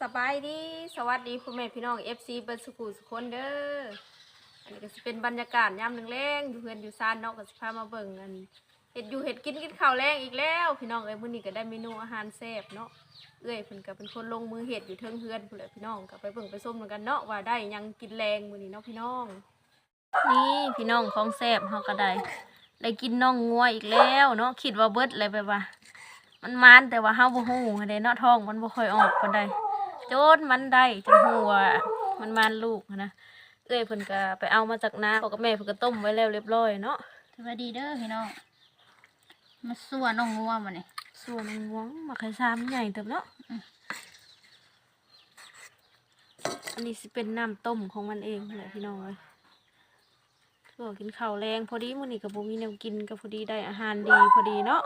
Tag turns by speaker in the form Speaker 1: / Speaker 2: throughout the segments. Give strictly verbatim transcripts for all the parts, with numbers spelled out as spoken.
Speaker 1: สบายดีสวัสดีพ่อแม่พี่น้องเอฟซีเบิร์ดสกูสุกคนเด้ออันนี้ก็จะเป็นบรรยากาศยามแรงๆอยู่เพื่อนอยู่ซานเนาะก็จะพามาเบิ่งกันเห็ดอยู่เห็ดกินกินข้าวแรงอีกแล้วพี่น้องเอ้ยมื้อนี้ก็ได้เมนูอาหารแซ่บเนาะเอ้ยเพิ่นก็เป็นคนลงมือเห็ดอยู่เทิงเฮือนพุ่นแหละพี่น้องก็ไปเบิ่งไปส้มกันเนาะว่าได้ยังกินแรงมื้อนี้เนาะพี่น้องนี่พี่น้องของแซ่บเฮาก็ได้ได้กินน่องงัวอีกแล้วเนาะคิดว่าเบิดเลยไปว่ามันมันแต่ว่าเฮาบ่ฮู้เด้เนาะท้องมันบ่ค่อยออกปานใดโจนมันได้จนหัวมันมันลูกนะเอ้ยเพิ่นก็ไปเอามาจากนาพ่อกับแม่เพิ่นก็ต้มไว้แล้วเรียบร้อยเนาะ
Speaker 2: สวัสดีเด้อพี่น้องมาสั่วน้องงัวมาเนี่ย
Speaker 1: ส่วนงวงมาไข่ซ้ำใหญ่เติบเนาะอันนี้สิเป็นน้ำต้มของมันเองแหละพี่น้องเลยส่วนกินข้าวแรงพอดีมื้อนี้ก็บ่มีแนวกินก็พอดีได้อาหารดีพอดีเนาะ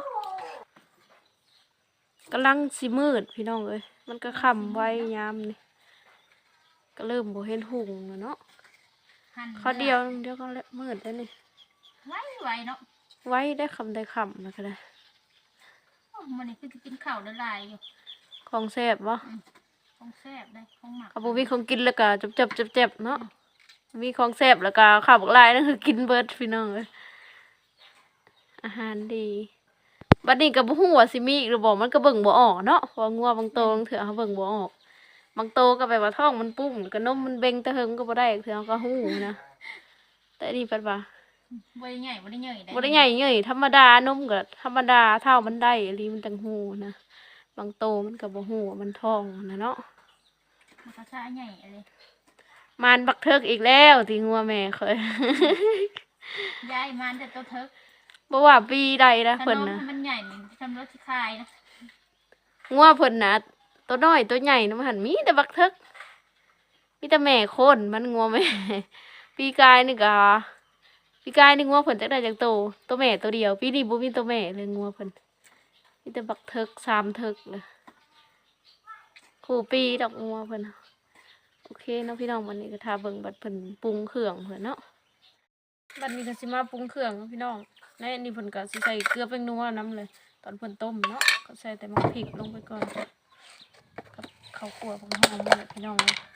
Speaker 1: กำลังสิมืดพี่น้องเอ้ยมันก็ค่ำไว้ยามนี่ก็เริ่มบ่เห็นหุ่งแล้วเนาะเขาเดียวเดียวก็แล้วมืดแล้วนี่
Speaker 2: ไว้ไวเนาะ
Speaker 1: ไว้ได้คำได้คำนะก็ได้
Speaker 2: มันนี่คือกินข้าวละลายอยู่
Speaker 1: ของแซ่บวะ
Speaker 2: ของแซ่บได้ของหมัก
Speaker 1: เขาบอกมีของกินแล้วก็จับจับจับจับเนาะมีของแซ่บแล้วก็ข้าวบักลายนั่นคือกินเบิร์ดพี่น้องเลยอาหารดีบัดนี้กับหัวซิมีหรือบอกมันก็เบิ่งบ่ออกเนาะพองัวบางโตบางเถื่อเขาเบิ่งบ่ออกบางโตก็ไปว่าท้องมันปุ้งก็นมมันเบ่งตะเฮงก็บ่ได้เถื่อก็หูนะแต่นี่ปัดว่า
Speaker 2: บ่ได้ใหญ่บ่ได้ใหญ่ได้
Speaker 1: บ่ได้ใหญ่เงยธรรมดานมก็ธรรมดาเท่ามันได้อันนี้มันจังหูนะบางโตมันก็บ่หูมันท้องนะเนาะ
Speaker 2: มันก็ช้าใหญ่เลย
Speaker 1: มันบักเทิกอีกแล้วที่งัวแม่เคย
Speaker 2: ยายมันแต่ตัวเทิก
Speaker 1: บ่ว่าปีใดนะเพิ่นนะ
Speaker 2: มันใหญ่เหมือนทำรถคายนะ
Speaker 1: งัวเพิ่นนะตัวน้อยตัวใหญ่นะมันหันมีแต่บักเทิกมีแต่แม่คนมันงัวแม่ปีกายนี่ก็ปีกายนี่งัวเพิ่นจักได้จักโตตัวแม่ตัวเดียวปีนี้บ่มีตัวแม่เลยงัวเพิ่นมีแต่บักเทิกสามเทิกเลยคู่ปีดอกงัวเพิ่นโอเคเนาะพี่น้องวันนี้ก็ทาเบิ่งบัดเพิ่นปรุงเครื่องเพิ่นเนาะบัดนี้ก็สิมาปรุงเครื่องพี่น้องในอันนี้เพิ่นก็สิใส่เกลือแป้งนัวน้ำเลยตอนเพิ่นต้มเนาะก็ใส่แต่มะพริกลงไปก่อนกับข้าวคั่วของหอมเลยพี่น้องเลย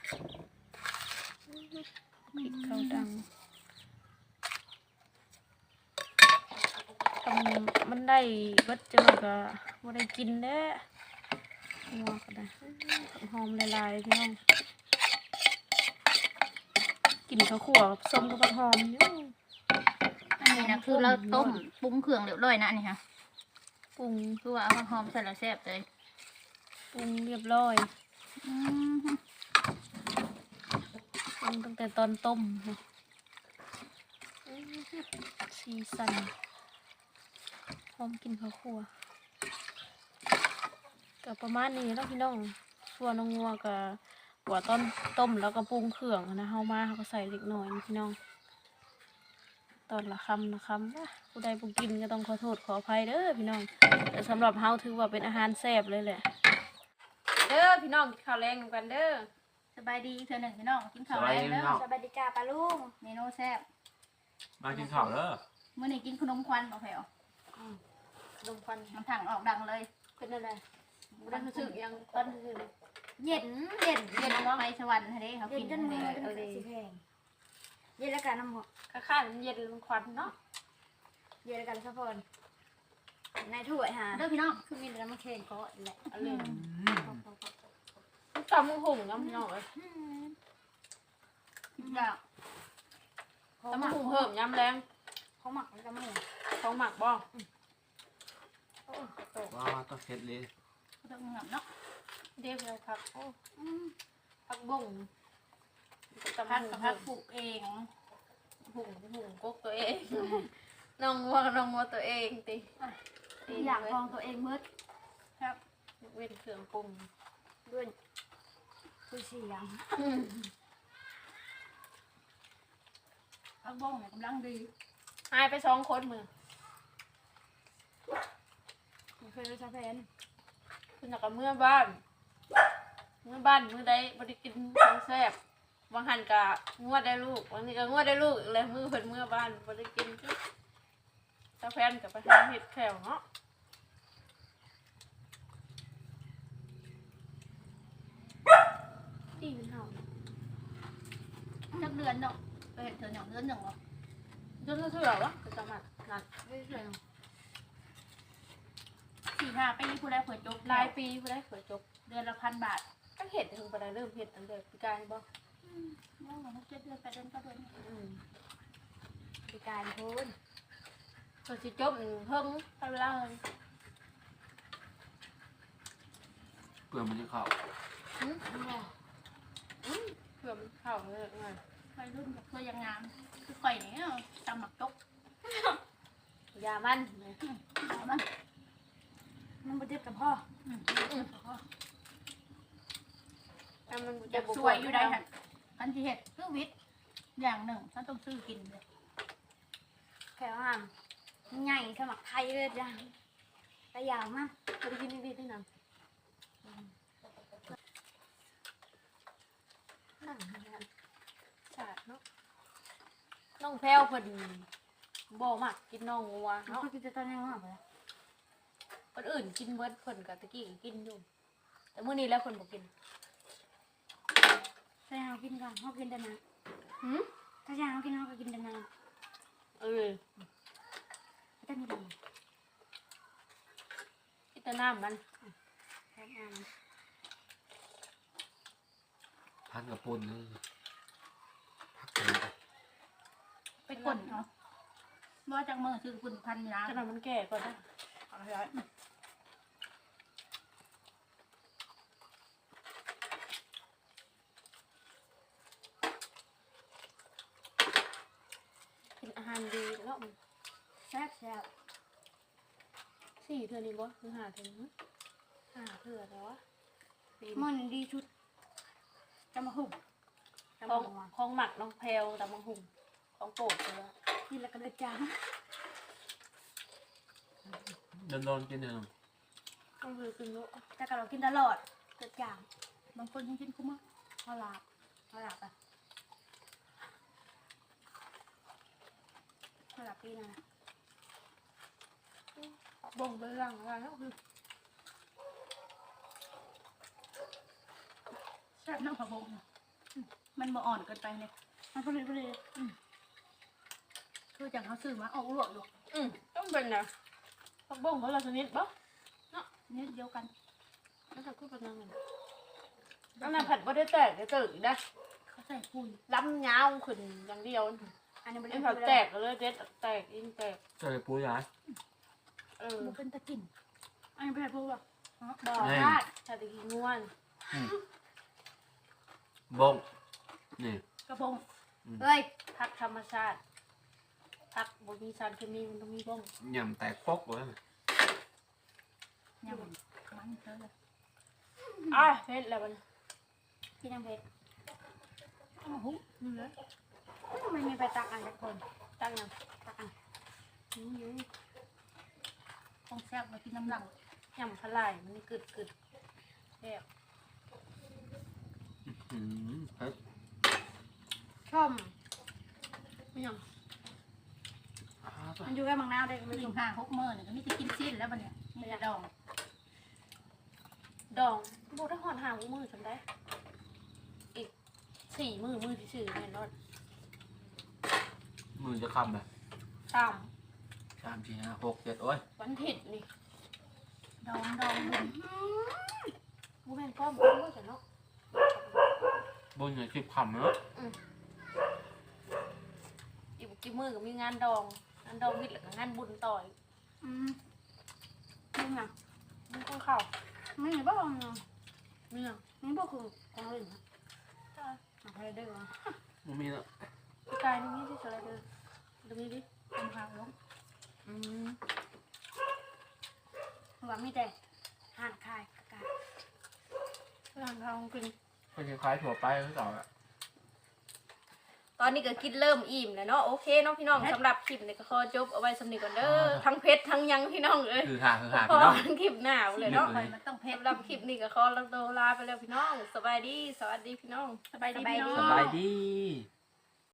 Speaker 1: พริกข้าวดังทำมันได้เบิดจังก็บ่ได้กินแด้นัวก็ได้หอมละลายพี่น้องกินข้าวคั่วส้มกับหอมอยู่
Speaker 2: อันนี้นะคือเราต้มปรุงเครื่องเรียบร้อยนะนี่ค่ะ
Speaker 1: ปรุง
Speaker 2: คือว่าเอาหอมใส่ละแซ่บเลย
Speaker 1: ปรุงเรียบร้อยปรุงตั้งแต่ตอนต้มสีสันหอมกินข้าวคั่วกับประมาณนี้แล้วพี่น้องส่วนน้องงัวกับหัวต้นต้มแล้วก็ปรุงเครื่องนะเฮามาเขาก็ใส่เล็กน้อยพี่น้องตอนละคำละคำผู้ใดผู้กินก็ต้องขอโทษขออภัยเด้อพี่น้องแต่สำหรับเฮาถือว่าเป็นอาหารแซ่บเลยแหละเด้อพี่น้องกินข้าวแรงกันเด้อ
Speaker 2: สบายดีเธอหนึ่งพี่น้องกินข้าวแรงเด้อ
Speaker 3: สบายดีจ้าปลาลุง
Speaker 2: เมนูแซ่บ
Speaker 3: มากินข้าวเด้อ
Speaker 2: เมื่อนี้กินขนมควันบ่แผ่ว
Speaker 1: ขนมควัน
Speaker 2: น้ำถังออกดังเลย
Speaker 1: เป็นอะไรบุญรู้สึกยังตอนนี้
Speaker 2: เย็นเย็นเย็นไปสวรรค์เด้เขากิน
Speaker 1: จนมือจนมือสิแพงเย็นแล้วกันน้ำหมดข้าวมันเย็นมันควันเนาะเย็นแล้วกันสักคนในถ้วยฮะ
Speaker 2: เด้อพี่น้อง
Speaker 1: คือมีน้ำแข็งก็แหละเอาเลยตำมือหุ่งน้ำพี่น้องเลย
Speaker 2: แบบ
Speaker 1: ตำมือหุ่งเพิ่มยำแรง
Speaker 2: เขาหมักมันจะไม่
Speaker 1: ของหมักบ้อง
Speaker 3: ว้าต้องเผ็ดเลย
Speaker 2: ต้องหมักเนาะ
Speaker 1: เดี๋ยวเราพักโอ้พักบ่ง
Speaker 2: พักพักปลูกเอง
Speaker 1: หุ่งหุ่งก๊กตัวเองน้องวัวน้องวัวตัวเองติ
Speaker 2: อยากลองตัวเองมืด
Speaker 1: ครับเว้นเครื่องปรุง
Speaker 2: ด้วยคุยเสียงพักบ้งเนี่ยกำลังดี
Speaker 1: หายไปสองคนมือเคยรู้ชาแพนคุณอยากกับเมื่อบ้านเมื่อบ้านเมื่อใดบริกินของแซ่บบางหันกะงวดได้ลูกบางทีก็งวดได้ลูกเลยมือเพิ่นเมื่อบ้านบริกินชาแพนกับไปทำเห็ดแขวเนาะ
Speaker 2: จักเดือนเนาะไปเห็นเธออย่างเดือนหนึ่งหรอ
Speaker 1: จนเท่าไหร่วะจะจำมันนั่นไม่ใช่
Speaker 2: สี่ห้าปีผู้ใดเผยจบ
Speaker 1: หลายปีไม่ได้เผยจบ
Speaker 2: เดือนละพันบาท
Speaker 1: ก็เห็ดถึงไปได้เริ่มเห็ดตั้งแต่ปีกายบ่
Speaker 2: น้องหนูเจ็ดเดือนแปดเดือนเก้าเดือน
Speaker 1: อืมปีกายพูนตัวสิจบเพิ่มไปเวลาเลย
Speaker 3: เปลือกมันจะเข้า
Speaker 1: อืมอืมเผื่อมันเข้าเลยไง
Speaker 2: วัยรุ่นกับเพื่อยังงามคือก่อยเนี่ยจำหมักจก
Speaker 1: ยามัน
Speaker 2: เอามัน
Speaker 4: มันบ่เจ็บกับพ่อ
Speaker 2: อืม
Speaker 1: แต่มัน
Speaker 2: อยากสวยอยู่ได้ค่ะอันที่เห็ดคือวิทย์อย่างหนึ่งฉันต้องซื้อกินเลย
Speaker 4: แค่ว่าใหญ่สมัครไทยเลยจ้ะแต่ยาวมาก
Speaker 1: เคยกินนิดๆนี่นะนั่งนั่งชาดเนาะน้องแพรวพอดีบ่มักกินน้องงัว
Speaker 4: เขา
Speaker 1: เนาะ
Speaker 4: ก็จะตอนยังมากเลย
Speaker 1: คนอื่นกินเบิดเพิ่นกับตะกี้ก็กินอยู่ แต่มื้อนี้แล้วเพิ่นบ่กิน
Speaker 4: ถ้าอยากกินก่อนเขากินแต่น้
Speaker 1: หืม
Speaker 4: ำถ้าอยากกินเขาก็กินแต่น้
Speaker 1: เออ
Speaker 4: ำแต่มีด
Speaker 1: กินแต่น้ำมัน
Speaker 4: ำแค่น้
Speaker 3: พันกับปุ่นนี่พักกันไป
Speaker 2: ไปกลนเนาะว่าจากเมื่อซื้อคุณพันล้าน
Speaker 1: ขนาดมันแก่ก่อนนะเอาไปไว้กินอาหารดีแล้วมัน
Speaker 4: ำแซ่บแซ่บ
Speaker 1: สี่เทื่อนี้บ่หรือห้าเทื่อนี้ห้าเทื่อแล้ววะปีน
Speaker 4: มันดีชุดจะมาหุ่มจะ
Speaker 1: ข
Speaker 4: มา
Speaker 1: อง
Speaker 4: หัว
Speaker 1: ของหมักน้องแพรวตำบักหุ่งของโปรดเลย
Speaker 4: กินแล้วก็เดือดจาง
Speaker 3: โดนโดนๆกินหนึ่ง
Speaker 1: ต้องคือกินลูก
Speaker 4: แต่ก็เรากินตลอดเดือดจาง
Speaker 2: บางคนยังกินคุ้มมาก
Speaker 4: เขาหลับเขาหลับอ่ะเขาหลับปีนะ
Speaker 1: บ่งไปหลังอะไรแล้วคือ
Speaker 2: แซ่บน้ำผักบงมันบ่อ่อนเกินไปเนี่ย
Speaker 4: มันก็เลยก็เลย
Speaker 2: คือจากเขาซื้อมาออกลวกอยู่
Speaker 1: อืมต้องเป็นนะผักบ่งเขาละชนิดบ่
Speaker 2: นี่เดียวกัน
Speaker 1: แล้วถ้าคือเป็นยังไงอันนั้นผัดบ่ได้แตกได้ตื่นนะ
Speaker 2: เขาใส่ปุ๋ย
Speaker 1: ล้ำยาวขึ้นอย่างเดียว
Speaker 4: อันนี้มัน
Speaker 1: ไอ้ผัดแตกก็เลยเด็ดแตกยิ่งแตก
Speaker 3: เจอปูย้าย
Speaker 1: เออ
Speaker 2: มันเป็นตะกิน
Speaker 4: อันนี้เป็นพวกแบบ
Speaker 1: บ่พลาดชาติกินง่วน
Speaker 3: บงนี่
Speaker 2: กระพง
Speaker 4: เฮ้ย
Speaker 1: ผักธรรมชาติผักบ่มีสารเคมีมันต้องมีบ่ง
Speaker 3: ยำแตกปกเลย
Speaker 2: ยำมันเธอเลย
Speaker 1: อ่ะเผ็ดแล้วมัน
Speaker 4: พี่น้ำเพชร
Speaker 2: โอ้โหนี่เลย
Speaker 4: ไม่มีไปตักอันสักคน
Speaker 1: ตั้งยัง
Speaker 4: ตักอัน
Speaker 1: อืม
Speaker 2: ต้องแซ่บมากินน้ำหลัง
Speaker 1: ยำพะไหล่มันกึดกึดแซ่บ
Speaker 3: อืมเฮ้ย
Speaker 1: ชอบไม่ยัง
Speaker 3: อ้าวตัว
Speaker 4: มันอยู่แค่บางนาวได้ก็
Speaker 2: ไม่
Speaker 4: ไม่
Speaker 2: ถึ
Speaker 4: ถึ
Speaker 2: ง
Speaker 4: ง
Speaker 2: ห้าหกมื้อเนี่ยก็มีแต่กินสิ้นแล้วบัดเนี่ยมีแต่ดอง
Speaker 1: ดองบ่ได้หอดหางมือฉันได้ อีกสี่มือมือที่สื่อแน่นอน
Speaker 3: มือจะคำแบบ
Speaker 1: ตาม
Speaker 3: สามสี่ห้าหกเจ็ดโอ้ย
Speaker 1: วันถิดนี่
Speaker 2: ดองดองบุญ
Speaker 1: บูแมนป้อมป้อมมือฉันเนาะ
Speaker 3: บนเหนือสิบคำเนาะ
Speaker 1: อีกกี่มือก็มีงานดองงานดองมิดแล้วก็งานบุญต่อย
Speaker 4: อืมนี่ไง
Speaker 1: มันต้องเข้า
Speaker 4: ไม่มีบ้างเนาะ
Speaker 1: เนื่อง
Speaker 4: นี่พวกคือของเล่นนะอะไรได้วะ
Speaker 3: มันมีแล้ว
Speaker 1: พี่กายนี่นี่ที่สไลเดอร์ดูนี่ดิ
Speaker 2: เป็นข้าวลง
Speaker 1: อืม
Speaker 4: หวังมีแต่ห่านคายกากา
Speaker 1: ร้านทองกิน
Speaker 3: เป็นคล้ายๆถั่วไปคือเก่าอะ
Speaker 1: ตอนนี้ก็กินเริ่มอิ่มแล้วเนาะโอเคเน้องพี่น้องสำหรับคลิปนี้ก็ขอจบเอาไว้สำนึกก่อนเด้อทั้งเพชรทั้งยังพี่น้องเอ้ย
Speaker 3: คือหาคือหา
Speaker 1: พอ
Speaker 3: พี่น้อง
Speaker 1: ทั้งคลิปหน้าเลยเนาะ
Speaker 2: ไปมันต้องเผ็ด
Speaker 1: สำหรับคลิปนี้ก็ขอลาไปแล้วพี่น้องสบายดีสวัสดีพี่น้อง
Speaker 2: สบายดีพี่น้อง
Speaker 3: สบายดี